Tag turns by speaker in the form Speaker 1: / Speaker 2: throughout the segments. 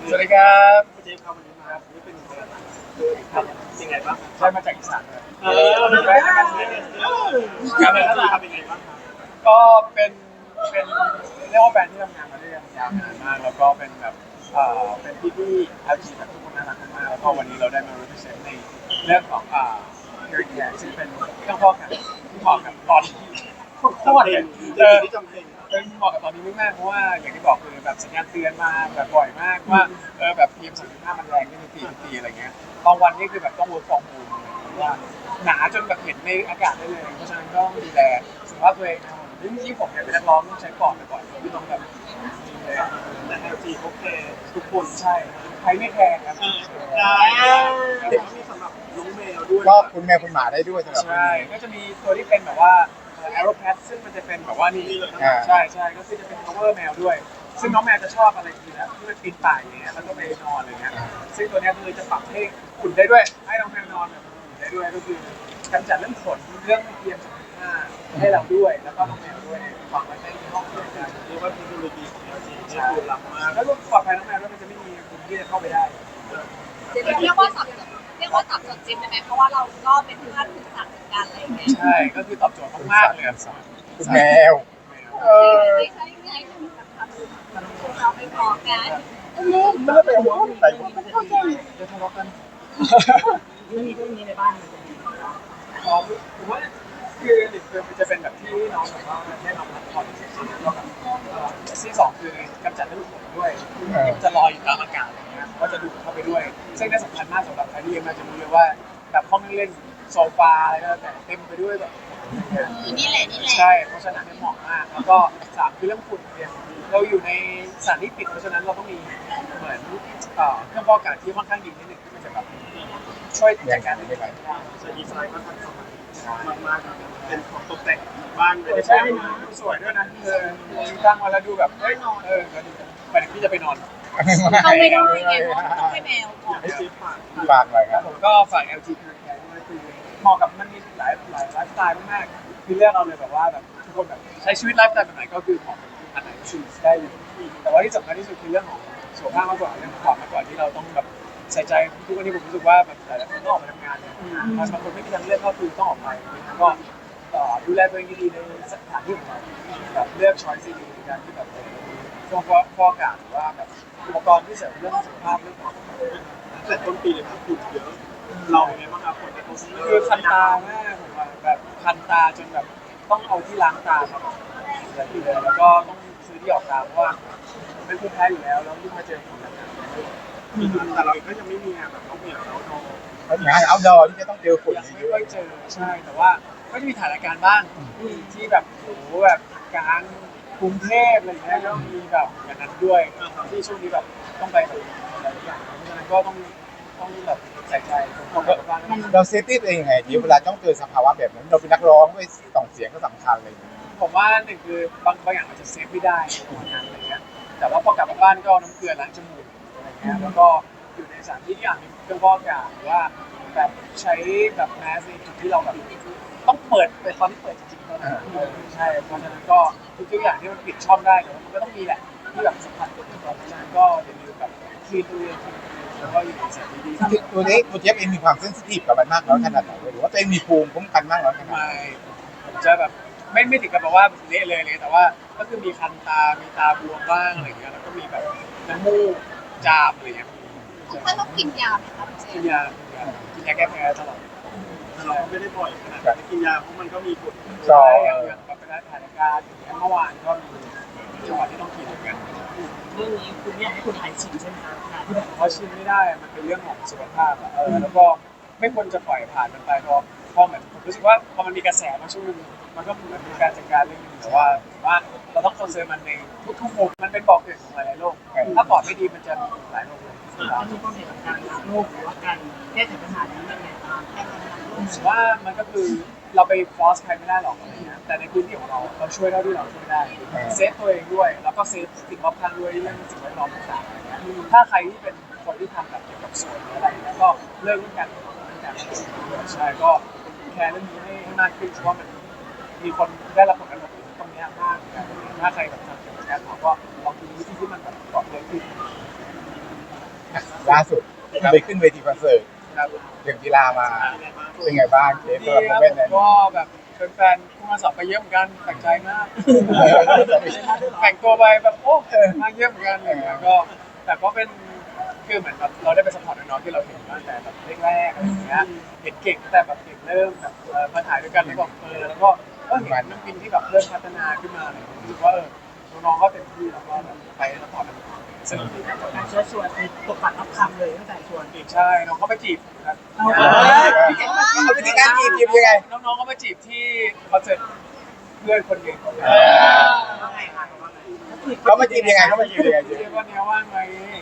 Speaker 1: สวัสดีครับ
Speaker 2: เจฟครับวันนี้มาครับนี่เป็นครับยังไงบ้าง
Speaker 1: ใช่มาจากอีสานครับ
Speaker 2: เป็นไงบ้างการเป็นที่ครับเป็นไงบ้างครับ
Speaker 1: ก็เป็นเรียกว่าแบรนด์ที่ทำงานมาด้วยกันยาวนานมากแล้วก็เป็นแบบเป็นพี่ๆ LG แบบทุกคนน่ารักมากแล้วก็วันนี้เราได้มา represent ในเรื่องของhair care ซึ่งเป็นเครื่องฟอกแบบที่เหมาะกับตอนที่โคตรเลย
Speaker 2: ที่จำเป็น
Speaker 1: เป็นเหมาะกับตอนนี้มากๆเพราะว่าอย่างที่บอกคือแบบสัญญาณเตือนมาแบบบ่อยมากว่าแบบ PM2.5 มันแรงขึ้นทุกทีอะไรเงี้ยบางวันนี่คือแบบต้อง work from home ว่าหนาจนแบบเห็นในอากาศได้เลยเพราะฉะนั้นก็ต้องดูแลสุขภาพตัวเองนะครับที่ผมเนี่ยเป็นนักร้องต้องใช้ปอดบ่อยๆที่ต้องแบบดูแล
Speaker 2: แต่ LG เขาแคร์ทุกคน
Speaker 1: ใช่ใครไม่แคร์ครับ
Speaker 2: ได้แต่ก็มีสำหรับน้องแมวด้วย
Speaker 3: ก็คุณแมวคุณหมาได้ด้วยสำหรับ
Speaker 1: ใช่ก็จะมีตัวที่เป็นแบบว่า Aeropress ซึ่งมันจะเป็นแบบว่านี่ใช่ก็คือจะเป็น cover แมวด้วยซึ่งน้องแมวจะชอบอะไรทีนะที่มันปีนป่ายอย่างเงี้ยแล้วก็ไปนอนอะไรเงี้ยซึ่งตัวนี้คือจะปรับให้อุ่นได้ด้วยให้น้องแมวนอนแบบอุ่นได้ด้วยก็คือกำจัดเรื่องขนเรื่องเพียง2.5ให้เราด้วยแล้วก็น้องแมวด้วยฝังไว้ในห้องด้วยกัน
Speaker 2: เรียกว่าเทคโนโลยีของ LG นี่คือล้ำมาก
Speaker 1: แล้วก็ปลอดภัยน้องแมวด้วยมันจะไม่มีคนที่จะเข้าไปได้
Speaker 4: เรียกว่าตอบโจทย์จริงได้ไหมเพราะว่าเราก็เป็นเพื่อนถึงสัตว์เหมือนกันอะไรอย่างเงี้ย
Speaker 1: ใช่ก็คือตอบโจทย์มากๆเลย
Speaker 3: คุณแมว
Speaker 4: ไม่ใช่ไงคือแบบทำเราไม่พอกัน
Speaker 3: ไม่ได้ไปหัวใส่หัว
Speaker 1: จะทะเลาะกัน
Speaker 4: เรื่องนี้ในบ้านมันจะมี
Speaker 1: ผมว่าคือหนึ่งคือมันจะเป็นแบบที่น้องแบบว่าให้น้องพักผ่อนเฉยๆแล้วก็แบบที่สองคือกำจัดเรื่องขนด้วยจะลอยอยู่ตามอากาศอะไรเงี้ยก็จะดูดเข้าไปด้วยซึ่งน่าสำคัญมากสำหรับใครที่ยังมาจะรู้เลยว่าแบบห้องนั่งเล่นโซฟาอะไรก็แต่เต็มไปด้วยแบบ
Speaker 4: นี่แหละ
Speaker 1: ใช่เพราะฉะนั้นเหมาะมากแล้วก็สามคือเรื่องฝุ่นเนี่ยเราอยู่ในสถานที่ปิดเพราะฉะนั้นเราต้องมีเหมือนเครื่องฟอกอากาศที่ค่อนข้างดีนิดนึงที่มันจะแบบช่วยจัดการได้ไหม
Speaker 2: ใช้ดีไซน์ก็ทันสมัยมากๆเป็นของตกแต่งบ้านเลย
Speaker 1: ใช่ดูสวยด้วยนะตั้งมาแล้วดูแบบเฮ้ยก็ดีไปไหนพี่จะไปนอน
Speaker 4: ต้องไม่ได้ไงต้องไม่แมวก่อน
Speaker 2: ให้เจฟ
Speaker 3: ฝากหน่อยครับ
Speaker 1: ผมก็ฝาก LG Care Care ด้วยคือเหมาะกับมันมีหลายไลฟ์สไตล์มากๆคือเลือกเอาเลยแบบว่าแบบทุกคนแบบใช้ชีวิตไลฟ์สไตล์แบบไหนก็คือเหมาะกับอันไหนชูสได้เลยแต่ว่าที่สำคัญที่สุดคือเรื่องของสุขภาพมากกว่าเรื่องความมากกว่าที่เราต้องแบบใส่ใจทุกวันนี้ผมรู้สึกว่าแบบหลายๆคนต้องออกมาทำงานเนี่ยบางคนไม่มีทางเลือกก็คือต้องออกไปก็ดูแลตัวเองดีๆในสถานที่ของเราแบบเลือกช้อยส์ดีในการที่แบบช่วงฟอกอากาศหรือว่าแบบอุปกรณ์ที่เสริมเรื่องสุขภาพเรื่องของ
Speaker 2: แต่ต้นปีเลยครับฝุ่นเยอะเราเป็นไงบ้างครับผลกระทบ
Speaker 1: คือคันตามากผมว่าแบบคันตาจนแบบต้องเอาที่ล้างตาครับแล้วก็ต้องซื้อที่ออกตาเพราะว่าเป็นภูมิแพ้อยู่แล้วยิ่งมาเจอฝุ่นหนัก
Speaker 2: แต่เราก็ยังไม่มีงานแบบน้องเหมียวน้องโน
Speaker 3: งานเอาท์ดอร์ที่จะต้องเจอฝุ่น
Speaker 1: ยังไม่ค่อยเจอใช่แต่ว่าก็จะมีสถานการณ์บ้างที่แบบโอ้โหแบบกลางกรุงเทพอะไรเงี้ยก็มีแบบอย่างนั้นด้วยที่ช่วงนี้แบบต้องไปแบบหลายอย่างเพราะฉะนั้นก็ต้องแบบใส่ใจต้องแบบว่า
Speaker 3: เราเซฟตี้ตัวเองยังไงดีเวลาต้องเจอสภาวะแบบนั้นเราเป็นนักร้องด้วยส่งเสียงก็สำคัญเลย
Speaker 1: ผมว่าหนึ่งคือบางอย่างอาจจะเซฟไม่ได้ในวันนั้นอะไรเงี้ยแต่ว่าพอกลับมาบ้านก็น้ำเกลือล้างจมูกอะไรเงี้ยแล้วก็อยู่ในสถานที่ที่อาจมีเครื่องฟอกอากาศหรือว่าแบบใช้แบบแมสในจุดที่เราแบบต้องเปิดไปตอนที่เปิดจริงๆเท่านั้นใช่เพราะฉะนั้นก็ทุกอย่างที่มันปิดช่องได้แต่ว่ามันก็ต้องมีแหละที่แบบสัมผัสตัวเองก่อนเพราะฉะนั้นก็อย่าลืมแบบคลีนตัวเองแล้วก็อยู่ในสถานที่ดี
Speaker 3: ตัวนี้ตัวเจฟเองมีความเซนซิทีฟกับมันมากน้อยขนาดไหนหรือว่าตัวเองมีภูมิคุ้มกันมากน้อยขนาดไหน
Speaker 1: ผมจะแบบไม่ถึงกับแบบว่าเละเลยแต่ว่าก็คือมีคันตามีตาบวมบ้างอะไรเงี้ยแล้วก็มีแบบน้ำมูกจามอะไรเงี้ย
Speaker 4: ถ้าต้องกินยาไหมครับ
Speaker 1: กินยาแก้แพ้ตลอด
Speaker 2: เราไม่ได้บ่อยขนาดกินยาเพราะมันก็มีผล
Speaker 1: ใช่อย่างแบบเป็นสถานการณ์อย่างเมื่อวานก็มีจังหวะที่ต้องกินเหมือนกัน
Speaker 4: เรื่องนี้คุณอยากให้คนไทยชิมใช่ไหมครับ
Speaker 1: เพราะชิมไม่ได้มันเป็นเรื่องของสุขภาพแล้วก็ไม่ควรจะปล่อยผ่านมันไปเพราะเหมือนผมรู้สึกว่าพอมันมีกระแสมาช่วงนึงมันก็เหมือนเป็นการจัดการเรื่องนึงแต่ว่าเราต้องคอนเซิร์นมันในทุกมุมมันเป็นบ่อเกิดของหลายโรคถ้าปอดไม่ดีมันจะมีหลายโรคเลย
Speaker 4: ถ้ามีความเสี่ยงกับการรักโรคหรือว่าการแก้ไขปัญหานี้ยังไงบ้าง
Speaker 1: ผมว่ามันก็คือเราไปฟอสใครไม่ได้หรอกอะไรเงี้ยแต่ในพื้นที่ของเราช่วยเท่าที่เราช่วยได้เซฟตัวเองด้วยแล้วก็เซฟสิ่งรอบข้างด้วยเรื่องสิ่งแวดล้อมต่างๆอะไรเงี้ยถ้าใครที่เป็นคนที่ทำแบบเกี่ยวกับสวนอะไรเงี้ยก็เลิกเรื่องการใช่ก็แคร์เรื่องนี้ให้มากขึ้นเพราะว่ามันมีคนได้รับผลกระทบตรงนี้มากเหมือนกันถ้าใครแบบทำเกี่ยวกับการเผาก็ลองดูวิธีที่มันแบบปลอดภัยขึ้น
Speaker 3: ล่าสุดไปขึ้นเวทีคอนเสิร์ต
Speaker 1: ครับ
Speaker 3: เรื่องกีฬามาเป็นไงบ้างเจฟ
Speaker 1: ดี
Speaker 3: สำหรับ
Speaker 1: ค
Speaker 3: โม
Speaker 1: รับ
Speaker 3: เมนต์นั้น
Speaker 1: ก็แบบแฟนๆผู้มาสอบไปเยอะเหมือนกันแปลกใจมากแต่งตัวไปแบบโอ้มาเยอะเหมือนกันอะไรเงี้ยก็แต่ก็เป็นคือเหมือนแบบเราได้ไปสปอร์ตน้องๆที่เราเห็นมาตั้งแต่แบบแรกๆอะไรอย่างเงี้ยเห็นเก่งตั้งแต่แบบเด็กเริ่มแบบมาถ่ายด้วยกันแล้วก็แล้วก็เห็นน้องปินที่แบบเริ่มพัฒนาขึ้นมาเลยรู้สึกว่าน้องๆก็เต็มที่แล้วก็แบบไปสปอร์ตน้องๆสนุกดีครับ
Speaker 5: การเชิญชวนมีตกปัดรับคำเลยตั้งแต่ชวน
Speaker 1: ใช่น้องเขาไปจีบครับ
Speaker 3: เอาวิธีการจีบยังไง
Speaker 1: น้องๆเขาไปจีบที่คอนเสิร์ตเพื่อนคนหนึ่ง
Speaker 5: ว่าไงคะว่าไง
Speaker 3: เขามาจีบยังไงเขามาจีบยังไงเจฟ
Speaker 1: เรียกว่าเนี้ยว่างไหม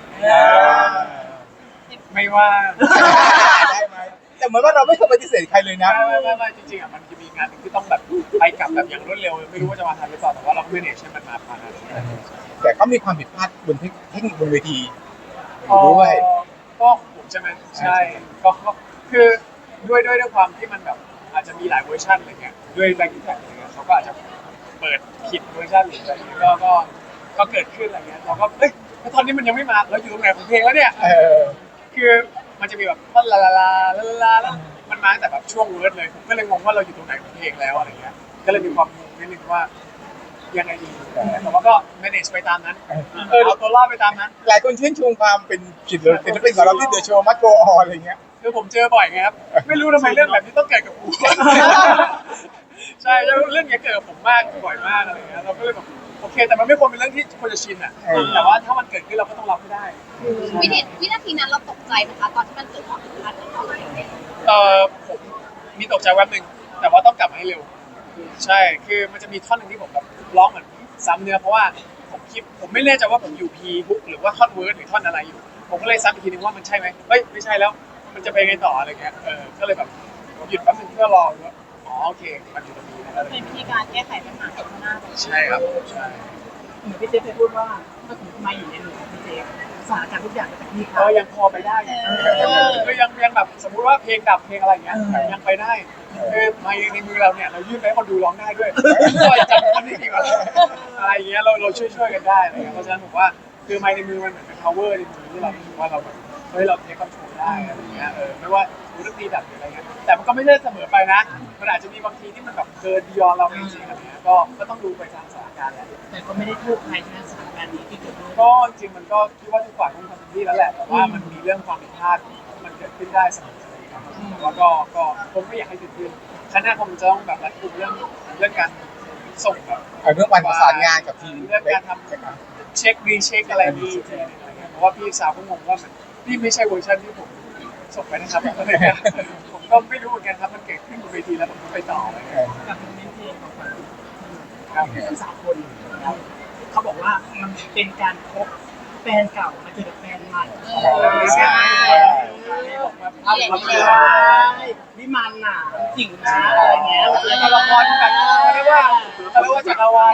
Speaker 1: ไม่ว่าง
Speaker 3: ได้ไหมแต่เหมือนว่าเราไม่เคยปฏิเสธใครเลยนะ
Speaker 1: ไม่จริงๆอ่ะมันจะมีงานหนึ่งที่ต้องแบบไปกลับแบบอย่างรวดเร็วไม่รู้ว่าจะมาทันหรือเปล่าแต่ว่าเราก็ไม่เนชให้มันมาทัน
Speaker 3: แต่เขามีความผิดพลาดบนเทคนิคบนเวทีด้วย
Speaker 1: ก็ผมใช่ไหมใช่ก็คือด้วยความที่มันแบบอาจจะมีหลายเวอร์ชันอะไรเงี้ยด้วยแรงที่แท็กอะไรเงี้ยเขาก็อาจจะเปิดผิดเวอร์ชันหรืออะไรเงี้ยก็เกิดขึ้นอะไรเงี้ยเราก็เอ้ยตอนนี้มันยังไม่มาแล้วอยู่ตรงไหนของเพลงแล้วเนี่ย คือมันจะมีแบบท่อนลาลาลาลาลาแล้วมันมาตั้งแต่แบบช่วงเวิร์ดเลยผมก็เลยงงว่าเราอยู่ตรงไหนของเพลงแล้วอะไรเงี้ยก็เลยมีความงงนิดนึงว่ายังไงดีแต่ว่าก็ manage ไปตามนั้นเอาตัวรอดไปตามนั้น
Speaker 3: หลายคนชื่นชมความเป็นศิลปินของเราที่เดอะโชว์มัดโกออนอะไรเงี้ย
Speaker 1: คือผมเจอบ่อยไงครับไม่รู้ทำไมเรื่องแบบนี้ต้องเกิดกับผมใช่เรื่องนี้เกิดกับผมมากบ่อยมากอะไรเงี้ยเราก็เลยแบบโอเคแต่มันไม่ควรเป็นเรื่องที่ควรจะชินอ่ะแต่ว่าถ้ามันเกิดขึ้นเราก็ต้องรับให้ได้
Speaker 4: วินาทีนั้นเราตกใจไหมคะตอนที่มันเกิดความผิดพลาดขึ้นมา
Speaker 1: ผมมีตกใจแวบหนึ่งแต่ว่าต้องกลับมาให้เร็ว ใช่ คือมันจะมีท่อนหนึ่งที่ผมแบบร้องเหมือนซ้ำเนื้อเพราะว่าผมไม่แน่ใจว่าผมอยู่พีฮุกหรือว่าท่อนเวิร์ดหรือท่อนอะไรอยู่ ผมก็เลยซ้ำอีกทีนึงว่ามันใช่ไหมเฮ้ยไม่ใช่แล้ว มันจะไปไงต่ออะไรเงี้ย ก็เลยแบบหยุดแป๊บนึงเพื่อรอว่าอ๋อโอเค มันอยู่ตรงนี้นะอะไร
Speaker 4: เป็นวิธีการแก้ไขปัญหาข้างหน้า
Speaker 1: ใช่ครับใช่
Speaker 5: เหมือนพี่เจฟเคยพูดว่าถ้าสมมติมาอยู่ในหนึ่งพี่เจฟสถานการณ์ทุกอย่างจะเป็นที่เขา
Speaker 1: ก็ยังพอไปได้ก็ยังแบบสมมุติว่าเพลงดับเพลงอะไรเงี้ยยังไปได้คือในมือเราเนี่ยเรายื่นไปให้คนดูร้องได้ด้วยก็จำคนนี้ดีกว่าอะไรอย่างเงี้ยเราช่วยกันได้อะไรเงี้ยเพราะฉะนั้นผมว่าคือไมค์ในมือมันเหมือนเป็น power ในมือที่เรารู้สึกว่าเราแบบเฮ้ยเราเทคคอนโทรลได้อะไรเงี้ยไม่ว่าดนตรีดับหรืออะไรเงี้ยแต่มันก็ไม่ใช่เสมอไปนะมันอาจจะมีบางทีที่มันแบบเกิน beyond เราจริงๆอะไรเงี้ยก็ต้องดูไปตามสถานการณ์แหละ
Speaker 5: แต่ก็ไม่ได้โทษใครในสถานการณ์นี้ที่เกิดขึ้น
Speaker 1: ก็จริงมันก็คิดว่าทุกฝ่ายคงทำเต็มที่แล้วแหละแต่ว่ามันมีเรื่องความผิดพลาดมันเกิดขึ้นได้เสมอครับแต่ว่าก็ผมไม่อยากให้เกิดขึ้นครั้งหน้าคงจะต้องแบบรัดกุมเรื่องการส่งแบบ
Speaker 3: เรื่องวันประสานงานกับทีม
Speaker 1: เรื่องการทำเช็ครีเช็คอะไรดีอะไรเงี้ยเพราะว่าพี่สาวก็งงว่ามันนี่ไม่ใช่เวอร์ชันที่ผมส่งไปนะครับอะไรเงี้ยผมก็ไม่รู้เหมือนกันครับมันเกิดขึ้นบนเวทีแล้วผมก็ไปต่ออะไรเงี้ย
Speaker 5: กับเพลงของมัน
Speaker 1: ครับ
Speaker 5: ทั้งสามคนแล้วเขาบอกว่ามันเป็นการพบแฟนเก่ามาเจอกับแฟนใหม่
Speaker 1: ใช่
Speaker 5: บอกว่าภาพมันไม่ได้วิมานน่ะจริงนะอะไรเงี้ย
Speaker 1: แล้วก็ละครแบบเรียกว่าจักรวาล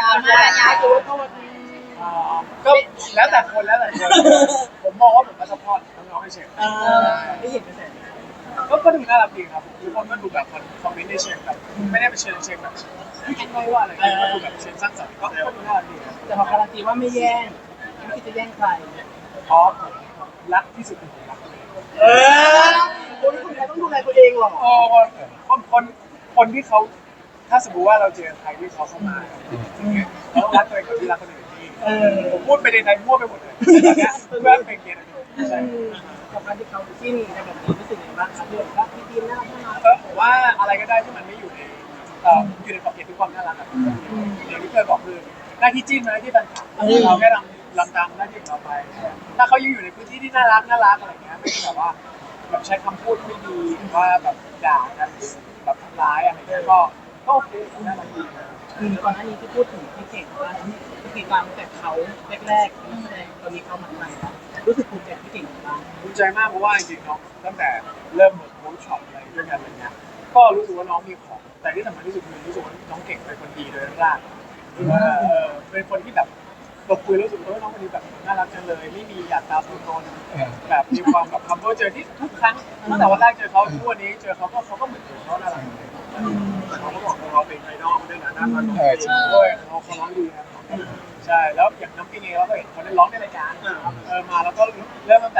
Speaker 1: ก็แล้วแต่คนผมมองว่าผมมาซัพพอร์ตน้องๆให้เฉย
Speaker 5: ไม่เห็นกระแส
Speaker 1: ก็ดูน่ารักดีครับทุกคนก็ดูแบบคอมเมนต์ในเชิงแบบไม่ได้เป็นเชิงแบบคิดไม่ว่าอะไรก็ดูแบบเชิงสร้างสรรค์ก็ดูน่ารักดีครับ
Speaker 5: แต่เขาการันตีว่าไม่แย่งไม่คิดจะแย่งใคร
Speaker 1: เพราะผมรักที่สุดคือผมรัก
Speaker 5: คนไทยต้องดูแลตัวเองหรอ
Speaker 1: โอ้คนที่เขาถ้าสมมติว่าเราเจอใครที่เขาเข้ามาเราต้องรักตัวเองกับที่รักคนอื่นที่ผมพูดไปในไทยมั่วไปหมดเลยเพื่อเป็นเกียรติใช่
Speaker 5: กับการที่เขาจิ้นกันแบบนี้รู้สึกยังไงบ้างครับเรื่องรักพี่ทีมน่ารัก
Speaker 1: ผมว่าอะไรก็ได้ที่มันไม่อยู่ในอยู่ในขอบเขตที่ความน่ารักแบบอย่างที่เคยบอกคือหน้าที่จิ้นหน้าที่แฟนคลับเราแค่ลำตามหน้าที่ของเราไป ถ้าเขาอยู่ในพื้นที่ที่น่ารักอะไรเงี้ยไม่ใช่แบบว่าแบบใช้คำพูดไม่ดีหรือว่าแบบด่ากันแบบทำร้ายอะไรเงี้ยก็โอเคน่ารักดี
Speaker 5: คือก่อนหน้านี้ที่พูดถึงพี่เก่งว่าติดตามแต่เขาแรกๆแสดงตอนนี้เขาหมันใหม่แล้วรู้สึกภูมิใจพี่เก่งบ้าง
Speaker 1: ภูมิใจมากเพราะว่าจริงๆน้องตั้งแต่เริ่มเวิร์กช็อปอะไรด้วยกันอะไรเงี้ยก็รู้สึกว่าน้องมีของแต่ที่สำคัญที่สุดคือรู้สึกว่าน้องเก่งเป็นคนดีโดยร่างเป็นคนที่แบบเราคุยรู้สึกว่าน้องคนนี้แบบน่ารักจังเลยไม่มีหยาดตาสุนทรแบบมีความแบบคัมเบอร์เจอที่ทุกครั้งตั้งแต่วันแรกเจอเขาทุกวันนี้เจอเขาก็เหมือนเขาน่ารัก
Speaker 2: เขาก็บอกเราเป็นไอดอลด้วยนะหน้าตา
Speaker 1: ด้วยเขาร้องดีครับใช่แล้วอย่างน้ำปิงเองเราก็เห็นเขาได้ร้องในรายการมาแล้วก็เริ่มตั้งแต่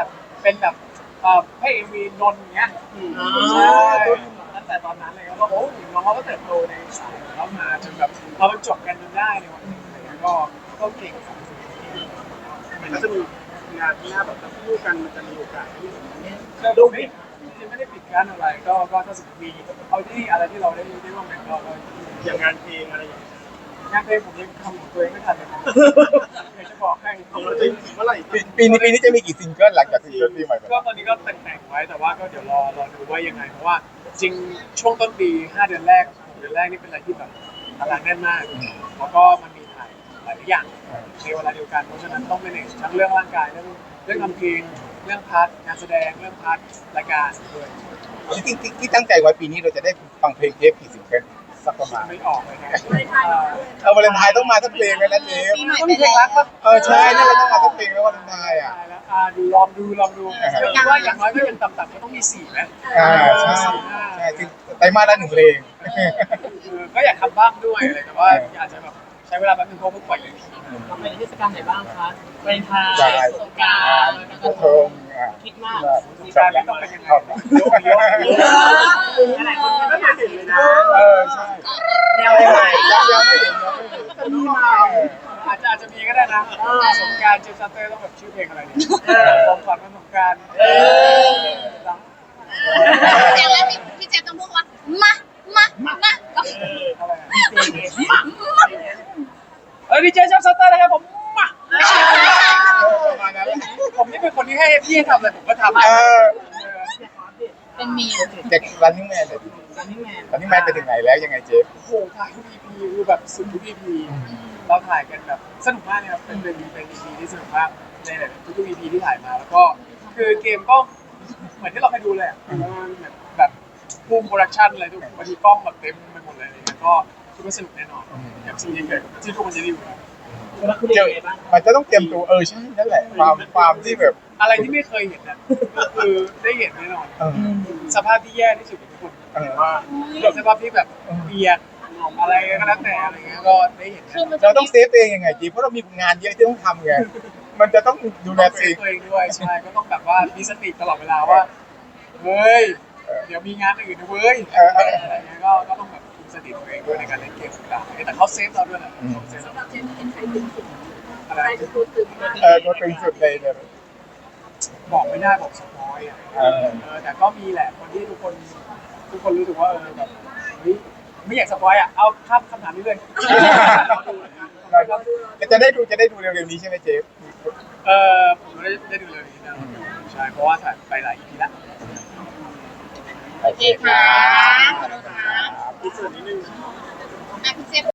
Speaker 1: เป็นแบบให้เอ็มวีนนท์อย่างเงี้ยใช่ตั้งแต่ตอนนั้นเลยก็โอ้น้องเขาก็เติบโตในสายแล้วมาจนแบบเราจบกันจนได้ในวันนี้อะไรเงี้ยก็เก่งครับ
Speaker 2: มันก็จะมีงานที่หน้าแบบจะคู่กันมันจะมีโอกาสที่
Speaker 1: ดูไม่จริงๆไม่ได้ปิดกั้นอะไรก็ถ้าสมมติมีเอาที่อะไรที่เราได้ร่วมกันก็
Speaker 2: อย่างงานเพลงอะไรอย่างเงี้ย
Speaker 1: งานเพลงผมยังทำของตัวเองไม่ทันเลยอยากจะบอกให้
Speaker 2: ของเราจะเมื่อไหร่
Speaker 3: ปีนี้จะมีกี่ซิงเกิลหลังจากซิงเกิลปีใหม่ไป
Speaker 1: ก็ตอนนี้ก็แต่งไว้แต่ว่าก็เดี๋ยวรอดูว่ายังไงเพราะว่าจริงช่วงต้นปี5 เดือนแรก6 เดือนแรกนี่เป็นอะไรที่แบบตารางแน่นมากแล้วก็มันมีถ่ายหลายอย่างในเวลาเดียวกันเพราะฉะนั้นต้องmanageทั้งเรื่องร่างกายเรื่องทำเพลงเรื่องพาร์ทงานแสดงเรื่องพาร์ทรายการด้วย
Speaker 3: ที่ตั้งใจไว้ปีนี้เราจะได้ฟังเพลงเทปกี่ซิงเกิลสักประมาณ
Speaker 1: ไม่ออกเลยนะ
Speaker 3: วาเลนไทน์ต้องมาสักเพลงเลยนะเจฟ
Speaker 4: ปีใหม่
Speaker 1: ต้อง
Speaker 4: ไป
Speaker 1: มีเพล
Speaker 4: แล้
Speaker 1: งรัก
Speaker 4: ว
Speaker 1: ปะ
Speaker 3: ใช่นั่นเราต้องมาสักเพลงแล้ววาเลนไทน์อ่ะ
Speaker 1: ตายแล้วลองดูว่าอย่างน้อยก็เป็นต่ำๆก็ต้องมี4ไหม
Speaker 3: ใช่ใช่คือไตรมาสละ1 เพลง
Speaker 1: ก็อยากทำบ้างด้วยอะไรแต่ว่าอาจจะแบบใช้เวลาแป๊บนึงเพราะเพิ่งปล่อยเลย
Speaker 5: เราไปเทศกาลไหนบ้างคะวาเลนไทน์
Speaker 3: ใช่
Speaker 5: สงกรานต์
Speaker 3: กระทง
Speaker 5: คิดมาก
Speaker 1: การไม่ต้องเป็นยังไง
Speaker 5: หลายคนก็
Speaker 2: ไม่
Speaker 5: อยาก
Speaker 2: เห็นเลยนะ
Speaker 3: ใช่
Speaker 5: แนวใหม่
Speaker 3: ยังไม่เห็น
Speaker 2: มีมา
Speaker 1: อาจจะมีก็ได้นะสงการเจฟซัตเตอร์ต้องแบบชื่อเพลงอะไรดีผมฝันว่าสงการ
Speaker 4: อย่างแรกพี่เจฟต้องพูดว่ามาแล้ว
Speaker 1: ดีเจเจฟซัตเตอร์นะครับผมมา
Speaker 3: ประมาณนั้น
Speaker 1: ผมนี่เป็นคนที่ให้พี่ทำอะไรผมก็ทำ
Speaker 4: เป็นมี
Speaker 3: จากรันนิ่งแมนเลย
Speaker 5: อันนี้แมน
Speaker 3: รันนิ่งแมนไปถึงไหนแล้วยังไงเจฟ
Speaker 1: โอ้โหถ่ายทุก EP คือแบบสุดทุก EP เราถ่ายกันแบบสนุกมากเลยครับเป็น EP ที่สนุกมากในทุก EP ที่ถ่ายมาแล้วก็คือเกมก็เหมือนที่เราเคยดูเลยแบบภูมิโปรดักชั่นอะไรทุกบางทีกล้องแบบเต็มไปหมดเลยอะไรเงี้ยก็คิดว่าสนุกแน่นอนกับสิ่งที่เกิดที่ทุกคนจะได้ดู
Speaker 5: แล้วคุณเองไงบ้าง
Speaker 3: มันจะต้องเตรียมตัวใช่นั่นแหละความที่แบบ
Speaker 1: อะไรที่ไม่เคยเห็นนะก็คือได้เห็นแน่นอนสภาพที่แย่ที่สุดของทุกคนว่าสภาพที่แบบเปียกอะไรก็แล้วแต่อะไรเงี้ยก็ได้เห็น
Speaker 3: เราต้องเซฟตัวเองยังไงจีเพราะเรามีงานเยอะที่ต้องทำไงมันจะต้องดูแล
Speaker 1: ต้อง
Speaker 3: ตัว
Speaker 1: เซ
Speaker 3: เอง
Speaker 1: ฟตัวเองด้วยใช่ก็ต้องแบบว่ามีสติตลอดเวลาว่าเฮ้ยเดี๋ยวมีงานอื่นนะเว้ยอะไรเงี้ยก็ต้องแบบคุมสติตัวเองด้วยในการเล่นเกมต่างๆแต่เขาเซฟเราด้วยแหละเซฟเราอะไร
Speaker 3: ตัวตึงสุดเลยเนี่ย
Speaker 1: บอกไม่ได้บอกสปอยอ่ะแต่ก็มีแหละคนที่ทุกคนรู้สึกว่าแบบไม่อยากสปอยอ่ะเอาข้ามคำถามนี้เลย
Speaker 3: จะได้ดูเร็วๆนี้ใช่ไหมเจฟ
Speaker 1: ผมไม่ได้ดูเลยนี้นะใช่เพราะว่าถ่ายไปหลาย EP แล้ว
Speaker 3: โอเคค่ะ
Speaker 4: ขอบคุณค่ะ
Speaker 2: มีส่วนนิดนึง
Speaker 4: พี่เจฟ